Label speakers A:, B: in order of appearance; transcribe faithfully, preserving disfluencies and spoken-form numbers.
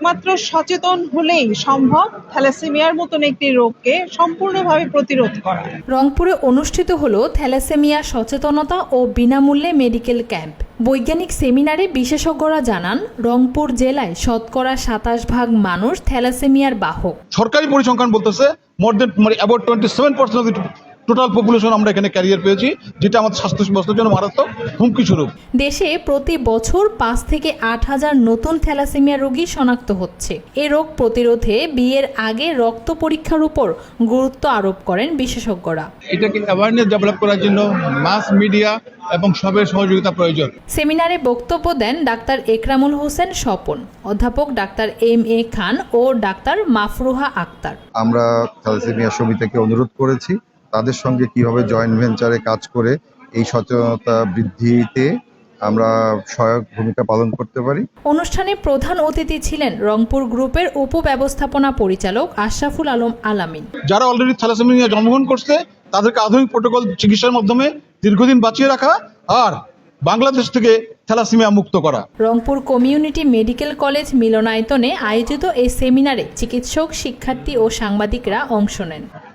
A: একমাত্র সচেতন হলেই সম্ভব থ্যালাসেমিয়ার মতন একটি রোগকে সম্পূর্ণভাবে প্রতিরোধ করা।
B: রংপুরে অনুষ্ঠিত হলো থ্যালাসেমিয়া সচেতনতা ও বিনামূল্যে মেডিকেল ক্যাম্প। বৈজ্ঞানিক সেমিনারে বিশেষজ্ঞরা জানান, রংপুর জেলায় শতকরা সাতাশ ভাগ মানুষ থ্যালাসেমিয়ার বাহক।
C: সরকারি পরিসংখ্যান বলতেছে মোর দেন মানে about twenty seven percent of total population আমরা এখানে ক্যারিয়ার পেয়েছি, যেটা আমাদের স্বাস্থ্য ব্যবস্থার জন্য মারাত্মক হুমকি স্বরূপ।
B: দেশে প্রতি বছর পাঁচ থেকে আট হাজার নতুন থ্যালাসেমিয়া রোগী শনাক্ত হচ্ছে। এ রোগ প্রতিরোধে বিয়ের আগে রক্ত পরীক্ষার উপর গুরুত্ব আরোপ করেন বিশেষজ্ঞরা।
C: এটাকে অ্যাওয়ারনেস ডেভেলপ করার জন্য মাস মিডিয়া এবং সবের সহযোগিতা প্রয়োজন।
B: সেমিনারে বক্তব্য দেন ডাক্তার একরামুল হোসেন স্বপন, অধ্যাপক ডাক্তার এম এ খান ও ডাক্তার মাফরুহা আক্তার।
D: আমরা থ্যালাসেমিয়া সমিতিকে অনুরোধ করেছি তাদের সঙ্গে কিভাবে জয়েন্ট ভেঞ্চারে কাজ করে এই সচেতনতা বৃদ্ধিতে আমরা সহায়ক ভূমিকা পালন করতে পারি।
B: অনুষ্ঠানে প্রধান অতিথি ছিলেন রংপুর গ্রুপের উপব্যবস্থাপনা পরিচালক আশরাফুল আলম আলামিন।
C: যারা অলরেডি থ্যালাসেমিয়া জন্মগ্রহণ করছে তাদেরকে আধুনিক প্রোটোকল চিকিৎসার মাধ্যমে দীর্ঘদিন বাঁচিয়ে রাখা আর বাংলাদেশ থেকে থ্যালাসেমিয়া মুক্ত করা।
B: রংপুর কমিউনিটি মেডিকেল কলেজ মিলনায়তনে আয়োজিত এই সেমিনারে চিকিৎসক, শিক্ষার্থী ও সাংবাদিকরা অংশ নেন।